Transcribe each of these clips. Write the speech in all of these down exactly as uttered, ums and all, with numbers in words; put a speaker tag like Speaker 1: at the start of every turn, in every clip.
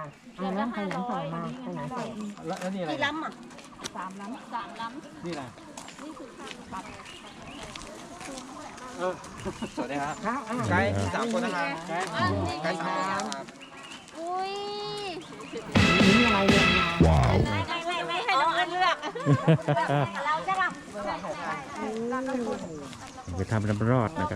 Speaker 1: ค่ะอ่าแล้วขยันส่งมาขยันส่ง
Speaker 2: แล้วนี่อะไร
Speaker 1: กี่ล้ำอ่ะ
Speaker 3: สามล้ำสามล้ำ
Speaker 2: นี่อะไร
Speaker 3: นี่คือข้าวผัด
Speaker 2: เออสวัสดีครับ
Speaker 1: ครับอ่า
Speaker 2: ไกด์สามคนนะครับไกด์ไกด์สามคนครับ
Speaker 3: อุ้ย
Speaker 1: นี่อะไรเนี่ยว้าว
Speaker 3: ไม่ไม่ไม่ให้น้องอันเลือก
Speaker 1: เราจะรับ
Speaker 4: ไปทำน้ำรอดนะครับ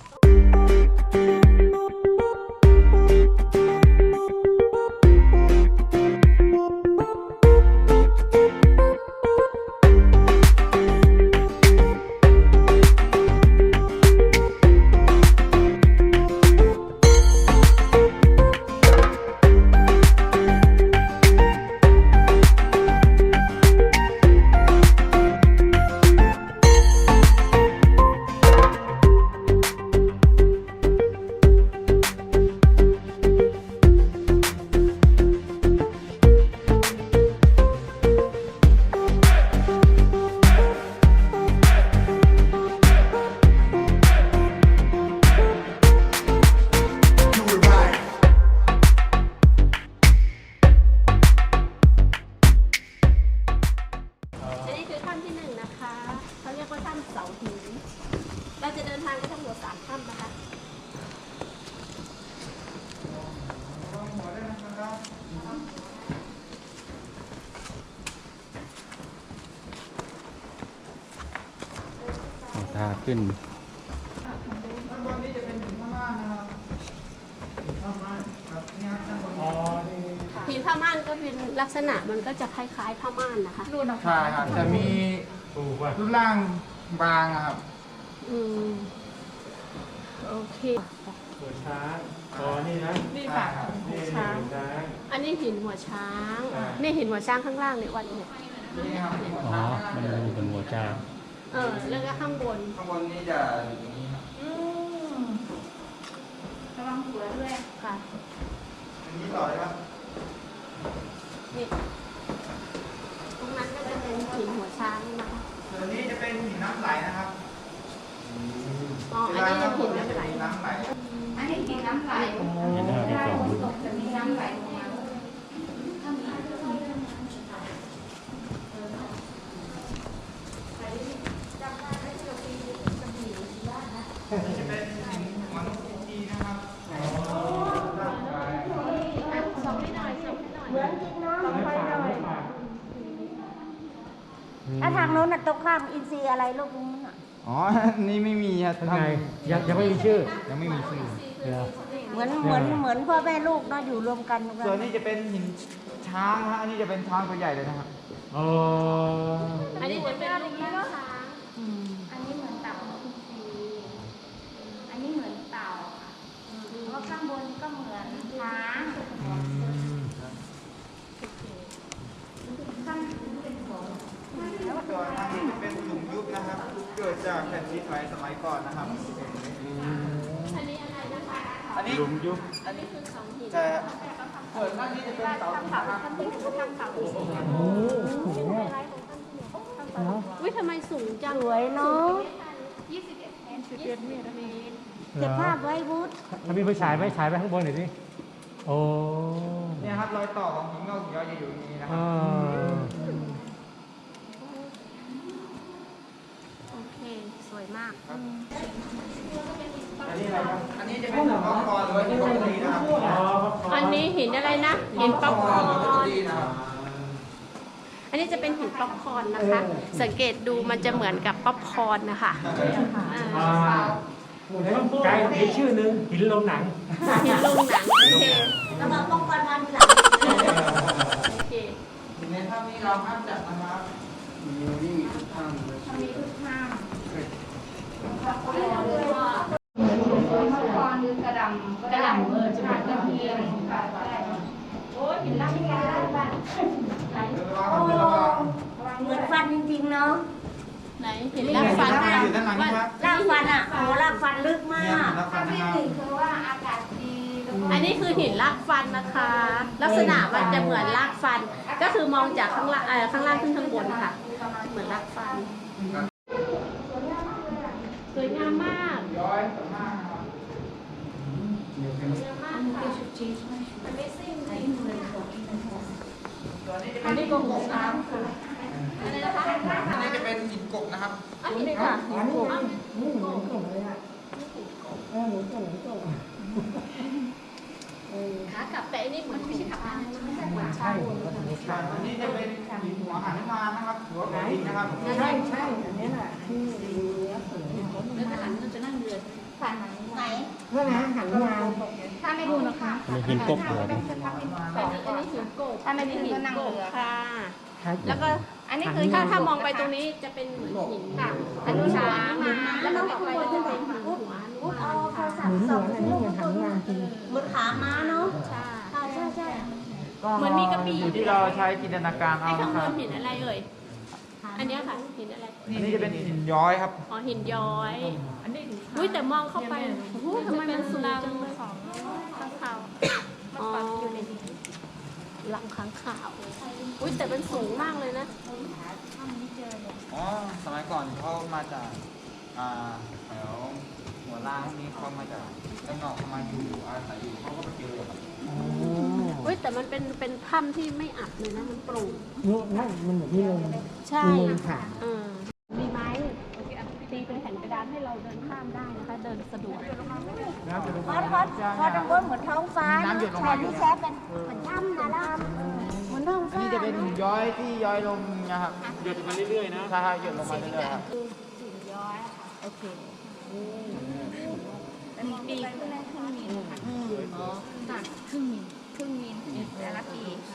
Speaker 3: อันนี้คือถ้ำที่หนึ่งนะคะเขาเรียกว่าถ้ำเสาหินเราจะเดินทางไปทั้งหมดสามถ้ำนะคะ
Speaker 4: ทางขึ้น
Speaker 3: หินผ้าม่านก็เป็นลักษณะมันก็จะคล้ายๆผ้าม่านนะคะ
Speaker 2: ใช่ครับแต่มีรูปร่างบางอะครับ
Speaker 3: อืมโอเค
Speaker 4: หัวช้างอ๋อนี่นะ
Speaker 3: นี่ค่ะ
Speaker 4: นี่
Speaker 3: ช้าง
Speaker 4: หัวช้าง
Speaker 3: อันนี้หินหัวช้าง นี่หินหัวช้างข้างล่างเนี่ยวันเนี่ย
Speaker 2: นี่ครับ
Speaker 4: อ๋อ มันอยู่บนหัวช้าง
Speaker 3: เออแล้วก็ข้างบน
Speaker 2: ข้างบนนี่จะอยู่อย่างนี้ครับ
Speaker 3: อืมระวังหัวด้วยค่ะ
Speaker 2: อันนี้ต่อเลยครับ
Speaker 3: นี่ตรงนั้นก็จะเป็นหินหัวช้างนะคะ
Speaker 2: ส่วนนี้จะเป็นหินน้ำไหลนะครับ
Speaker 3: อ๋ออันนี้เป็นหินน้ำไหล
Speaker 2: น้ำไหล
Speaker 5: อันนี้กินน้ำไหล
Speaker 4: เห็นหน้าที่สอง
Speaker 5: ตกจะมีน้ำไหลลงมา
Speaker 2: นี่จะเป็นหินหัวนกอินทรีนะครับ
Speaker 3: ส่งให้หน่อยส่งให้หน่อย
Speaker 1: เหมือนจริงเนาะไปหน่อยถ้าทางโน้นน่ะตรงข้ามอินซีอะไรลูกนู้นอ่ะ
Speaker 2: อ๋อ นี่ไม่มีครับ
Speaker 4: ข้างในยังยังไม่มีชื่อ
Speaker 2: ยังไม่มีชื่อ
Speaker 4: เดี๋ยว
Speaker 1: เหมือนเหมือนเหมือนพ่อแม่ลูกเนาะอยู่รวมกัน
Speaker 2: ส่วนนี้จะเป็นหินช้างนะฮะอันนี้จะเป็นช้างตัวใหญ่เลยนะครับ
Speaker 4: อ๋อ
Speaker 3: อันนี้จะเป็นลูกช้าง
Speaker 1: อืม
Speaker 5: อันนี้เหมือนเต่าทุกทีอันนี้เหมือนเต่าค่ะเพราะข้างบนก็เหมือนช้างข้างเป็นหัว
Speaker 2: ส่วนอันนี้จะเป็นหลุมยุบนะครับเกิดจากแผ่นดินไหวสมัยก่อนนะครับ
Speaker 3: อันนี้อะไรนะคะ
Speaker 2: อันนี้
Speaker 4: หลุมยุบ
Speaker 3: อันนี้คือเสาหิน
Speaker 2: จะส่วนด้านนี้จะเป็นเสาหินนะครับ
Speaker 3: อุ้ยทำไมสูงจัง
Speaker 1: สวยเนาะ
Speaker 5: ยี่สิบเอ็ดเมตร
Speaker 3: สิบเอ็ดเมตร
Speaker 1: เก็บภาพไว้วุฒ
Speaker 4: ถ้ามีไฟฉายไหมฉายไปข้างบนหน่อยสิโอ้
Speaker 2: เนี่ยครับรอยต่อของหินงอกหินย้อยจะอยู่ตรงนี้นะค
Speaker 4: อ่
Speaker 2: รับ
Speaker 4: า
Speaker 3: โอเคสวยมาก
Speaker 2: อันนี้อะไรครับอันนี้จะเป็นหินป๊อปคอร์นหรือว่าหินป๊อปคอร์นนะครับ
Speaker 3: อันนี้หินอะไรนะหินป๊อปคอร์
Speaker 2: หรือว่าตัว
Speaker 3: น
Speaker 2: ดีนะครับ
Speaker 3: อันนี้จะเป็นหินป๊อปคอร์นนะคะ สังเกตดูมันจะเหมือนกับป๊อปคอร์นนะคะอ่า
Speaker 4: อ่าไกลอีกชื่อหนึ่งหินลงหนัง
Speaker 3: หินลงหนังโอเค
Speaker 1: แล้วมาป้องกันวันทีหลัง
Speaker 3: โอเค
Speaker 2: ในถ้ำนี้เราห้ามจับนะครับมีนี่มีทุกถ้ำเลย
Speaker 5: มีทุกข้าง
Speaker 3: ก็
Speaker 5: มังกรหรือกระดำกระดำเออจะเป็นตะเพียนค่ะใช่โอ้ยหินลักยาบ้าน
Speaker 1: โอ้เหมือนฟันจริงๆเนาะ
Speaker 3: ไหนหินลากฟัน
Speaker 2: อยู่ด้านหลังนะครับ
Speaker 1: ลากฟันอ่ะโอ้ลากฟันลึกมา
Speaker 2: เนี่ย
Speaker 1: ก
Speaker 2: แล้วฟั
Speaker 5: ถ้าน
Speaker 2: นะ
Speaker 5: ที่
Speaker 2: ครับ
Speaker 5: หนึ่งคือว่าอากาศดีแล้วก็
Speaker 3: อันนี้คือหินลากฟันนะคะ ลักษณะมันจะเหมือนลากฟัน ก็คือมองจากข้างล่างเอ่อข้างล่างขึ้นข้างบนค่ะ เหมือนลากฟัน สวยงามมาก
Speaker 2: ย้อยมากครับ
Speaker 3: สวยงามมากอันนี้ก็หกน้ำค่ะ
Speaker 2: อันนี้จะเป็นหินกบนะครับ
Speaker 3: อันนี้ค่ะหินโกง
Speaker 1: นี่เหมือนส่งเลยอ่ะเออเหมือนส่งเหมือนส่งเออ
Speaker 3: ขากลับแต่อันนี้เหมือนไม่ใช่ขับน้ำไม่ใช่เหมือน
Speaker 1: ใช่
Speaker 3: ชา
Speaker 2: อันนี้จะเป็นหินหัวหันมานะครับหัวของหินนะครับ
Speaker 1: ใช่ใช่อันนี้แหละที่ดูแล้วสวย
Speaker 3: แล้วทหารก็จะนั่งเรือ
Speaker 5: ฝันไหน
Speaker 1: เพื่อนะหันมา
Speaker 5: ถ้าไม่ดูนะคะ
Speaker 6: มีหินกบเหรอ
Speaker 3: อันนี้อันนี้หินโกบ
Speaker 5: ถ้าไม่ดูก็นั่ง
Speaker 3: โกบ
Speaker 5: เรือ
Speaker 3: ค่ะ
Speaker 1: ใช่
Speaker 3: แล้วก็
Speaker 5: อันนี้คือ
Speaker 3: ถ้าถ้ามองไปตรงนี้จะเป็นเหมือนหินค่ะอันนี้ช้างแล้วก็ต่อไปจะเป็นหินหัว
Speaker 5: อุ๊บเอาโทรศัพ
Speaker 1: เหมือน
Speaker 5: ท์
Speaker 1: เห
Speaker 5: ส่
Speaker 1: มื
Speaker 5: อ
Speaker 1: อง นอันนี้เหมือนหันมาจริง
Speaker 5: เหมือนขาม้าเนาะ
Speaker 3: ใช่
Speaker 5: ใช่ใช่ใช่
Speaker 3: เหมือนมีกระบี่
Speaker 2: อยู่ที่เราใช้จินตนาการ
Speaker 3: ไอ้
Speaker 2: เอา
Speaker 3: ข้าง
Speaker 2: นะ
Speaker 3: บ
Speaker 2: ครับ
Speaker 3: นหินอะไรเอ่ยอันเนี้ยค่ะหินอะไร
Speaker 2: อันนี้จะเป็นหินย้อยครับ
Speaker 3: อ๋อหินย้อยอุ้ยแต่มองเข้าไปโอ้โหทำไมมันสูงจังเลยของข้างข่าวอ๋ออยู่ในหลังค้างข่าวอุ้ยแต่มันสูงมากเลยนะ
Speaker 2: อ๋อ สมัยก่อนเขามาจาก อ่าแถวหัวล่างนี้เขามาจากด้านนอกเขามาอยู่อาศัยอยู่เขาก็มาเจอครับ
Speaker 3: อุ้ยแต่มันเป็นเป็นถ้ำที่ไม่อับเลยนะมันโปร่ง
Speaker 1: นี่นั่นมันเหมือนที่ลม
Speaker 3: ใช่
Speaker 1: มีลมผ่าน
Speaker 3: เออมีไม้ตีเป็นแผ่นกระดานให้เราเดินข้ามได้นะคะ เดินสะดวก
Speaker 5: พอดพอดพอดตรงบนเหมือนท้องฟ้าแทนที่แชเป็นเหมือนถ้ำนะล่ะเหมือนท้อง
Speaker 2: อัน
Speaker 5: ฟ้า
Speaker 2: นี้จะเป็นหินย้อยที่ย้อยลงนะครับ
Speaker 4: หยดมาเรื่อยๆนะ
Speaker 2: ใช่ครับหยดลงมาเรื่อยๆครับ
Speaker 5: หินย้อยโอเคมีปีกขึ้นได้ครึ่งมิลค่ะตัดครึ่งมิลครึ่งมิลแต่ละปีค่ะ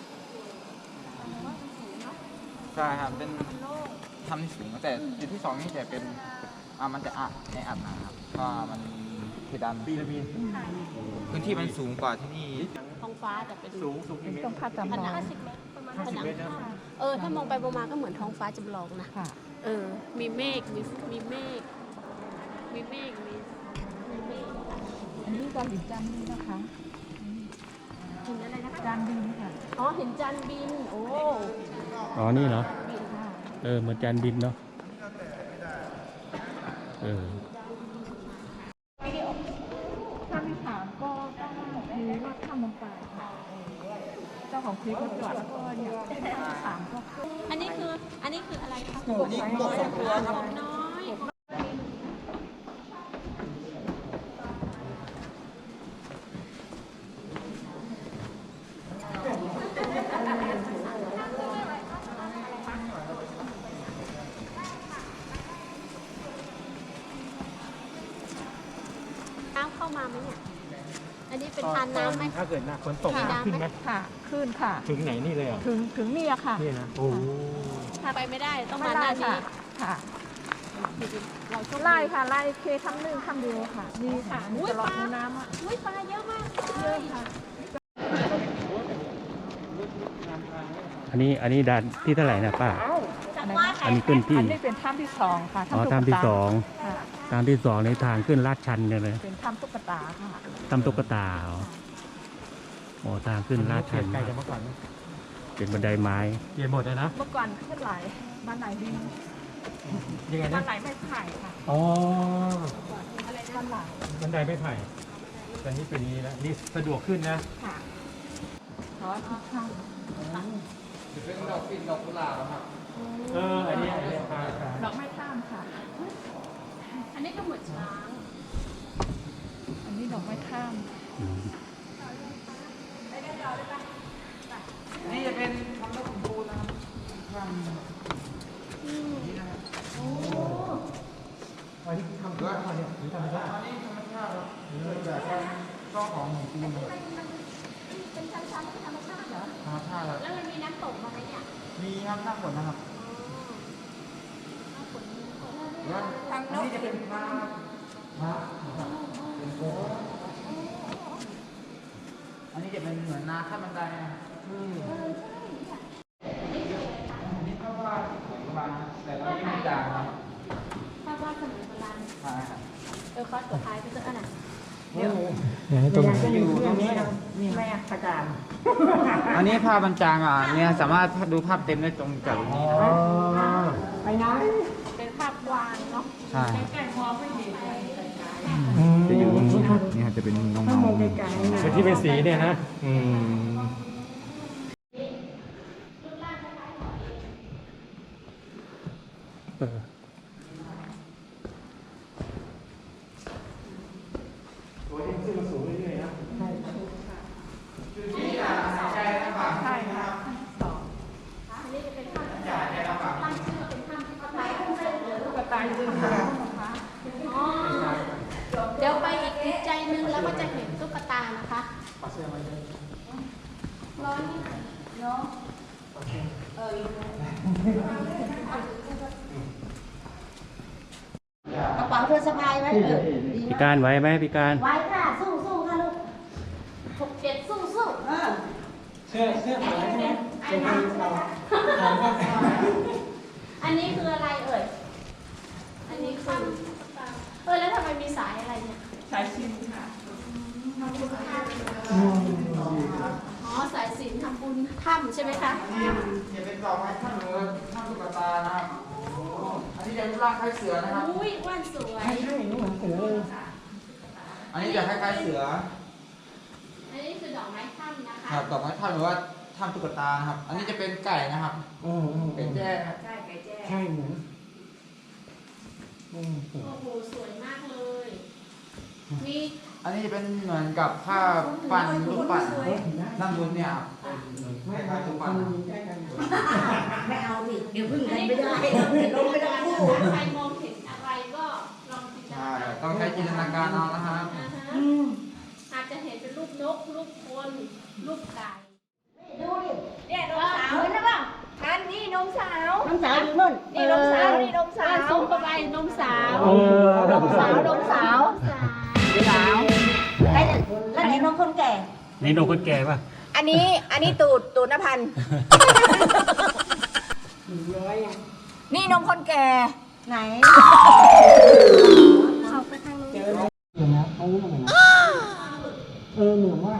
Speaker 2: ใช่ครับ เป็นถ้ำที่สูงแต่จุดที่สองนี่จะเป็น อ่า มันจะอัดในอัดนะครับเพราะว่ามันเพดานปีละปีพื้นที่มันสูงกว่าที่นี่
Speaker 3: ท้องฟ้าแต่เป็น
Speaker 4: สูงสูงกี่เมตร
Speaker 1: ต้องคาด
Speaker 3: ผ
Speaker 1: จำล
Speaker 3: นั
Speaker 1: อง ง
Speaker 3: ห้าสิบเมตรประมาณผนังถ้ำเออถ้ามองไปมองมาก็เหมือนท้องฟ้าจำลองนะ
Speaker 1: ค่ะ
Speaker 3: เออ มีเมฆ มี มีเมฆ มีเมฆ มีมีเมฆ
Speaker 1: อันนี้การหินจานบินนะคะ
Speaker 3: เห็นอะไรนะคะ
Speaker 1: จานบินค่ะ
Speaker 3: อ๋อ เห็นจานบิน โอ้
Speaker 6: อ๋อ นี่เหรอ
Speaker 3: บินค่ะ
Speaker 6: เออ เหมือนจานบินเนาะ เออ
Speaker 1: ถ้าไม่ถามก็ต้องรู้ว่าถ้ำลงไปค่ะเจ้าของคลิปเขาจอดแล้วก็เนี่ยถ้าถามก็
Speaker 3: อันนี้คือ อันนี้คืออะไรคะ
Speaker 2: อันนี้กบสองตัวครับ
Speaker 3: กบน้อย น้ำเข้ามาไหมเนี่ย อันนี้เป็นทานน้ำไหม
Speaker 4: ถ้าเกิดหน้าฝนตก
Speaker 3: มีน้ำไหม
Speaker 4: ขึ้นไหม
Speaker 1: ค่ะขึ้นค่ะ
Speaker 4: ถึงไหนนี่เลยเหรอ
Speaker 1: ถึงถึงนี่อะค่ะ
Speaker 4: นี่นะ โอ้โห
Speaker 3: ถ้าไปไม่ได้ ต้อง
Speaker 1: ไม่
Speaker 3: มาห
Speaker 1: ไล่
Speaker 3: น้านี้
Speaker 1: ค่ะค่ะ
Speaker 3: เราโชคดี
Speaker 1: ไล่ค่ะไล่เคทำหนึ่งคำเดียวค่ะนี่ค่ะนี่ตลอดคูน้ำอ่ะ
Speaker 3: อุ้ยปลาเยอะมากเลย
Speaker 6: อันนี้ อันนี้ด่านที่เท่าไหร่นะป้า
Speaker 3: จากว่า
Speaker 6: อันนี้ขึ้นที่
Speaker 1: อันนี้เป็นถ้ำที่สองค่ะ
Speaker 6: อ๋อ
Speaker 1: ตุ๊ก
Speaker 6: ทางที่
Speaker 1: ตา
Speaker 6: สอง
Speaker 1: ค่ะ
Speaker 6: ทางที่สองในทางขึ้นลาดชันเนี่ยเลย
Speaker 1: เป็นถ้ำตุ๊กตาค่ะ
Speaker 6: ทำตุ๊กตาเหรออ๋อทางขึ้นลาดชัน
Speaker 4: ไกลจากเมื่อก่อนไหม
Speaker 6: เป็นบันไดไม้
Speaker 4: เปลี่ยนหมดเลยนะ
Speaker 1: เมื่อก่อนขึ้นไหลบ้านไหนดิน
Speaker 4: ยังไง
Speaker 1: บ้า
Speaker 4: นะ
Speaker 1: นไหนไม่ไผ่ค่ะ
Speaker 4: อ๋อ
Speaker 1: บ้านไหล
Speaker 4: บันไดไม่ไผ่แต่นี่เป็นอย่างนี้แล้วนี่สะดวกขึ้นนะ
Speaker 1: ค่ะขอที่ข้าง
Speaker 2: จะเป็นดอกปิ่นดอกกุหลาบครับ
Speaker 4: เออ อันนี้อันนี้พาพา
Speaker 1: ดอกไม้ข้ามค่ะ
Speaker 3: อันนี้ก็เหมือนช้าง
Speaker 1: อันนี้ดอกไม้ข้าม
Speaker 6: อืม
Speaker 2: อันนี้จะเป็นทำนกขุนปูนะครับทำนี่นะครับ
Speaker 4: อันนี้ทำด้วยอะไรเนี่ยหรือทำไม่ได้
Speaker 2: อันนี้ธรรมชาติครับเกิดจากการซ่อของหินปูนครับ
Speaker 5: เป็นชั้นๆธรรมชาติเหรอ
Speaker 2: ธรรมชาติครับ
Speaker 3: แล้วมันมีน้ำตกมาไหมเนี่ย
Speaker 2: มีครับหน้าฝนนะครับแล้วอันนี้จะเป็นพระพระนะครับเป็นโค้งอันนี้จะเป็นเหมือนนาขั้นบันไดนะอันนี้ก็ว่าเหมือนประมาณแต่เราไม่มีด่างครับ
Speaker 3: ภาพวาดสมัยโบราณ
Speaker 2: ใช่ครับ
Speaker 3: เออคอสตัวท้ายไปเจออันไหน
Speaker 4: ตรงไหน
Speaker 2: จะอยู่ตรงนี้นะ
Speaker 1: นี่แม่ประจาน
Speaker 2: อันนี้ภาพบรรจางอ่ะเนี่ยสามารถดูภาพเต็มได้ตรงจากตรงนี้นะครับ
Speaker 1: ไปไหน
Speaker 3: เป็นภาพวางเนาะ
Speaker 2: ใช่
Speaker 1: แก่งมองไม่ดี
Speaker 2: จะอยู่ตรงนี้นะครับเนี่ยมันจะเป็นเงา
Speaker 1: ถ้า
Speaker 2: เงาม
Speaker 1: องไกลๆนะ
Speaker 4: คือที่เป็นสีเนี่ยนะ อืมเออ ตัวที่ขึ้นมาสูงเรื่อยๆนะ
Speaker 2: จุดที่อ่ะหายใจลำบาก
Speaker 1: ใช่ค่ะ
Speaker 3: อันนี้จะเป็นถ้ำ
Speaker 2: หายใจลำบาก
Speaker 3: ตั้งชื่อเป็นถ้ำที่เขาไป
Speaker 1: ลูกตาจริงค่ะ
Speaker 3: อ๋อเดี๋ยวไปอีกอีกใจหนึงแล้วก็จะเห็นตุ๊กตานะคะ
Speaker 4: ปาเสื้อมาเลย
Speaker 3: ร้อนเนาะ
Speaker 5: กระเป๋าเธอสะพายไว้เออดี
Speaker 6: พิ
Speaker 5: มาก
Speaker 6: การไว้ไหมพิการ
Speaker 5: ไว้ค่ะสู้สู้ค่ะลูก
Speaker 3: หกเจ็ดสู้สู้
Speaker 5: เออ
Speaker 4: เสื้อเสื้อเหมือนใช่ไหมเป็นคนเรา
Speaker 3: อันนี้คืออะไรเอ่ย อันนี้คือเออแล้วทำไมมีสายอะไรเนี่ย
Speaker 1: สายชินค่ะ
Speaker 3: อ๋อสายสิญจนทำบุญถ้ำใช่ไหมคะ
Speaker 2: อย่าเป็นดอกไม้ท่านหรือว่าท่านตุ๊กตานะครับอันนี้จะรูปร่างคล้ายเสือนะครับ
Speaker 3: อุ้ยว่านสวย
Speaker 4: ใช่ใช่เหมือนเสือเลย
Speaker 2: อันนี้จะคล้ายๆเสือ
Speaker 3: อันนี้คือดอกไม้ถ้ำนะคะ
Speaker 2: ครับดอกไม้ท่านหรือว่าท่านตุ๊กตานะครับ อันนี้จะเป็นไก่นะครับ
Speaker 4: อืมอืม
Speaker 2: เป็นแจ้ครับ
Speaker 4: ใช่เหมือนอืม
Speaker 3: โอ้โหสวยมากเลย มี
Speaker 2: อันนี้จะเป็นเหมือนกับผ้าปั่นรูปปั่นด้านบนเนี่ยครับ
Speaker 4: ไม่ไม่ถูกคนใกล้กัน
Speaker 5: ไม่เอาสิเดี๋ยวพึ่ง
Speaker 3: อั
Speaker 5: กัน น
Speaker 3: นี้
Speaker 5: ไม่ได้ลงไม่ได้คู่
Speaker 3: ถ้าใครมองเห็นอะไรก็ลองจินต
Speaker 2: ใช่
Speaker 3: นาการ
Speaker 2: ต้องใช้จินตนาการเอานะครับ
Speaker 3: อ่าฮะ
Speaker 5: อืม
Speaker 3: อาจจะเห็นเป็นรูปนก รูปคน รูปไก่
Speaker 5: ดูดิ
Speaker 1: เนี่ยนมสาวใช่ป่ะอันนี้นมสาว
Speaker 5: น้องสาวอยู่นู่น
Speaker 1: นี่นมสาว นี่นมสาว
Speaker 3: ซูมเข้าไปนมสาว
Speaker 4: เออ
Speaker 1: นมสาว นมสาว สาว
Speaker 5: ใครจะแล้วไหนน้องคนแก่
Speaker 6: นี่นมคนแก่ป่ะ
Speaker 1: อันนี้ อันนี้ตูด ตูดนพันธ์นี่นมคนแก่
Speaker 5: ไหน
Speaker 4: เจอแล้วเห็นนะเขาเหมือนนะเออเหมือนว่า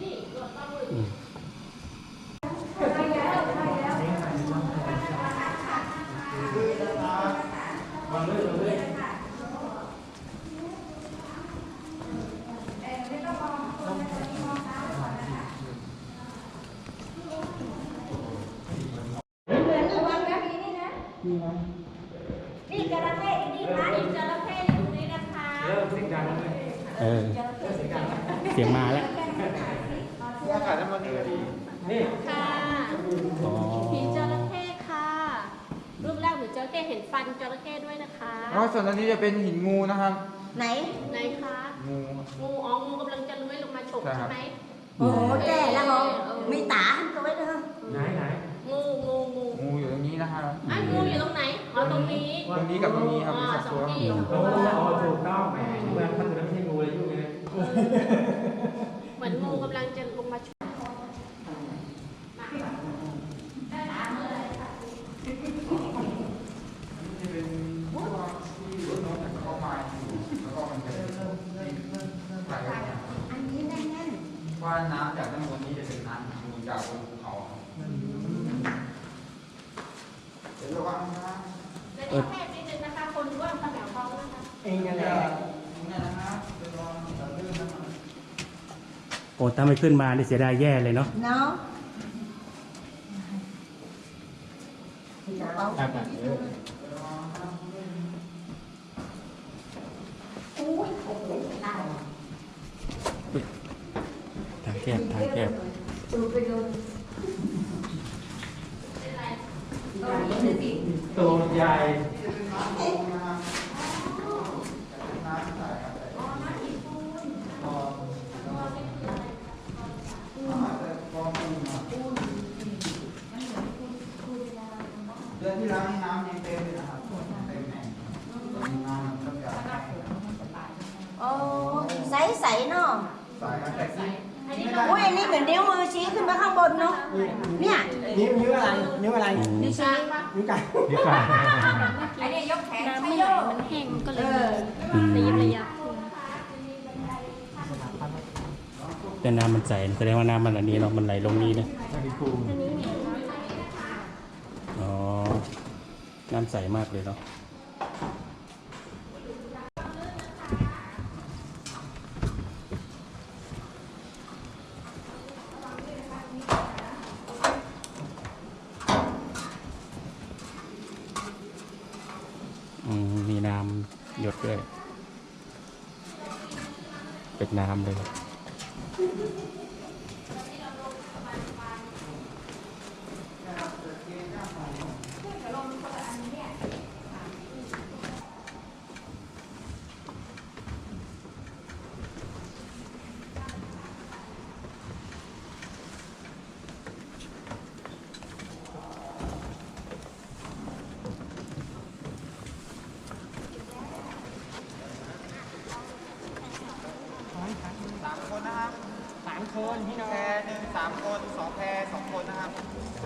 Speaker 5: นี่จระเข้นี่นะ
Speaker 3: มีจระเข้อยู่ตรงนี้นะคะ
Speaker 4: เริ่มเสียงดังเลย
Speaker 6: เออ เสียงมาแล้ว
Speaker 2: อากาศน้ำมันนี่ก็ดี
Speaker 4: นี่
Speaker 3: ค่ะ
Speaker 6: อ๋อ
Speaker 3: ผีจระเข้ค่ะ รูปแรกเหมือนจระเข้เห็นฟันจระเข้ด้วยนะคะ
Speaker 2: แล้วส่วนอันนี้จะเป็นหินงูนะครับ
Speaker 5: ไหน
Speaker 3: ไหนคะ
Speaker 2: งู
Speaker 3: งูอ๋องูกำลังจะเลื้อยลงมาฉก
Speaker 2: ใช่ครับ
Speaker 3: ใช่ไหม
Speaker 5: โอ้โหแก่แล้วเหรอมีตาตัวไว้เด้อ
Speaker 4: ไหนไหน
Speaker 3: งูงูงู
Speaker 2: งูอยู่ตรงนี้นะครับ
Speaker 3: อ่ะงูอยู่ตรงไหนอ๋อตรงนี้
Speaker 2: ตรงนี้กับตรงนี้ครับ
Speaker 3: อ๋อ
Speaker 2: มีสอง
Speaker 3: สอง
Speaker 2: ตัว
Speaker 3: ที่สอง
Speaker 4: โอ้
Speaker 3: ตัว
Speaker 4: โหถูกต้องแหมเมื่อมันไม่ใช่งูเลยยุ่งเลย
Speaker 3: เหมือนงูกำลังจะลงมาฉก
Speaker 2: จะเป็นพวกที่รถน้องแต่เข้ามาแล้วก็มันจะไหลออกมา
Speaker 5: อันนี้แน่น
Speaker 2: ว่าน้ำจากด้านบนนี้จะเป็นน้ำมูลจากบนภูเขาครับเดี๋ยวระวังนะ
Speaker 3: ในกระแทกนิดนึงนะคะ คนร่วมขนาดท้องนะคะ
Speaker 4: เองนั่นแหละ
Speaker 2: นี่นะครับเป็นรองจะลื่นนะครับ
Speaker 6: โอ้ถ้าไม่ขึ้นมานี่เสียดายแย่เลยเนาะ
Speaker 5: ๆเนาะกระเป๋า
Speaker 4: ครับ
Speaker 5: อุ้ยโอ้โหตาย
Speaker 6: ทางแคบทางแคบ
Speaker 5: ตูไปโดน
Speaker 4: ตัวใหญ่
Speaker 2: เดือนที่แล้วนี่น้ำยังเต็มเลยนะครับเต็มแห่งน้ำมันก็จะ
Speaker 5: โอ้ใสใสๆเนาะ
Speaker 2: สายแต่ที่
Speaker 3: อันนี้
Speaker 5: โอ้ยอันนี้เหมือนนิ้วมือชี้ขึ้นมาข้างบนเนาะเนี่ย
Speaker 4: นิ้วนิ้วอะไรนิ้วอะไร
Speaker 5: นิ้วชี้
Speaker 4: นิ้วไก่
Speaker 6: เดี๋ยวก่อน
Speaker 1: อันนี้ยกแขน
Speaker 3: น้ำ
Speaker 1: ใช้
Speaker 3: ไม่
Speaker 1: โย
Speaker 3: ไหล
Speaker 1: ก
Speaker 3: มันแห้งก็เล
Speaker 5: เอย อ
Speaker 3: ระยิบระยับ
Speaker 6: แต่น้ำมันใสแสดงว่าน้ำมันอันนี้เนาะมันไหลลงนี้นะ
Speaker 4: นาฬิกู
Speaker 3: อันนี้เนี่ย
Speaker 6: อ๋อ น้ำใสมากเลยเนาะน้ำเลย
Speaker 2: สามคนนะครับสามคนพี่น้องแพรหนึ่งสามคนสองแพรสองคนนะครับ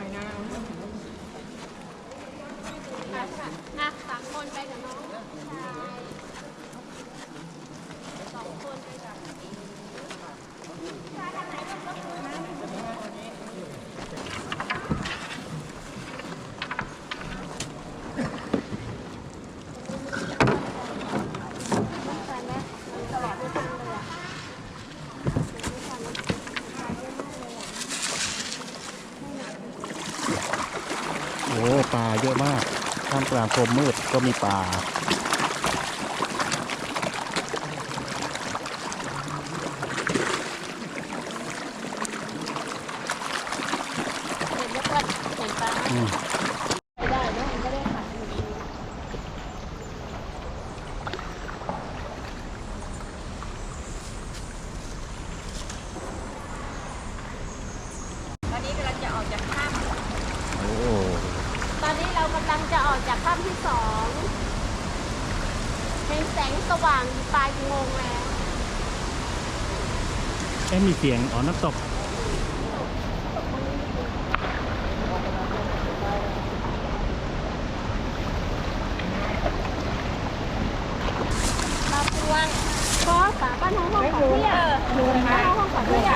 Speaker 3: อ่ะสามคนไปกับน้องสองคนไปกับ
Speaker 6: โอ้ปลาเยอะมากท่ามกลางโคมมืดก็มีปลา
Speaker 3: เห็นแล้วก็เห็นปลา
Speaker 6: อืม
Speaker 3: ไม่ได้เนอะมันก็ได้ขายอยู่ดี
Speaker 1: ตอนนี้กำลังจะออกจากถ้ำ
Speaker 6: โอ้
Speaker 3: ตอนนี้เรากำลังจะออกจากถ้ำที่สองเห็นแสงสว่างอยู่ปลายอุโมงค์แล้ว
Speaker 6: แค่มีเสียงอ๋อน้ำตก
Speaker 3: ตาพวงก็สาบ้านห้องห้องของเพี่ยบ้านห้องห้องของเพี่ย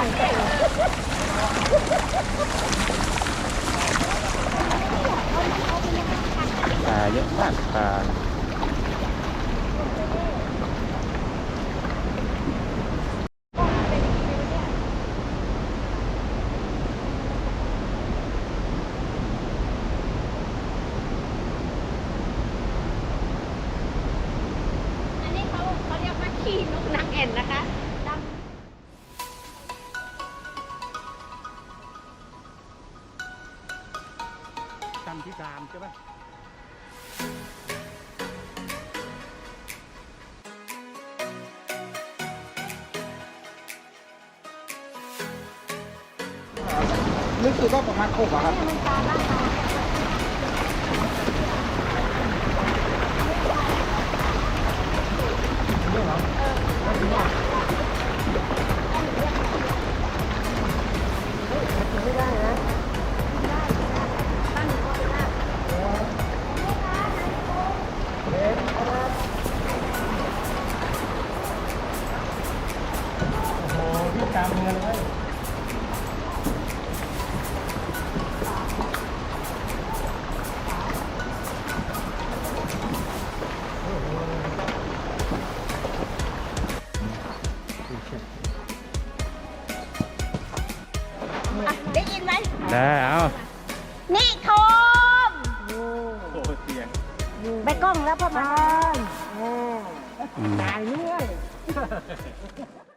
Speaker 6: ปลาเยอะมากปลา
Speaker 3: อันนี้เขาเขาเรียกว่าขี้นกนางแอ่นนะคะดำ
Speaker 6: ขั้นที่สามใช่ไหม
Speaker 2: ลึกสุดก็ประมาณอกอะครับ
Speaker 3: มันปลาล่าปลาตั้งอยู่ก็ได้
Speaker 4: โอ้โหพี่ตามเรือเลย
Speaker 3: ได้ยินไหม
Speaker 6: ได้เอา
Speaker 3: นี่โคม
Speaker 6: โอ้เสียง
Speaker 3: ไปกล้องแล้วพ่อมา
Speaker 6: อืม
Speaker 4: ตายเรื่อย